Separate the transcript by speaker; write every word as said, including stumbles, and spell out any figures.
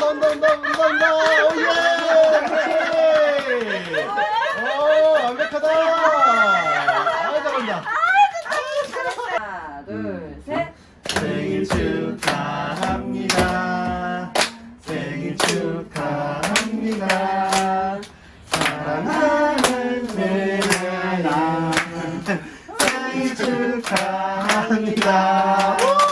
Speaker 1: 온다 온다 온다 온다 오예 오 완벽하다 아 잘한다
Speaker 2: 하나, 둘, 셋.
Speaker 1: 생일 축하합니다 생일 축하합니다 사랑하는 세연아 생일 축하합니다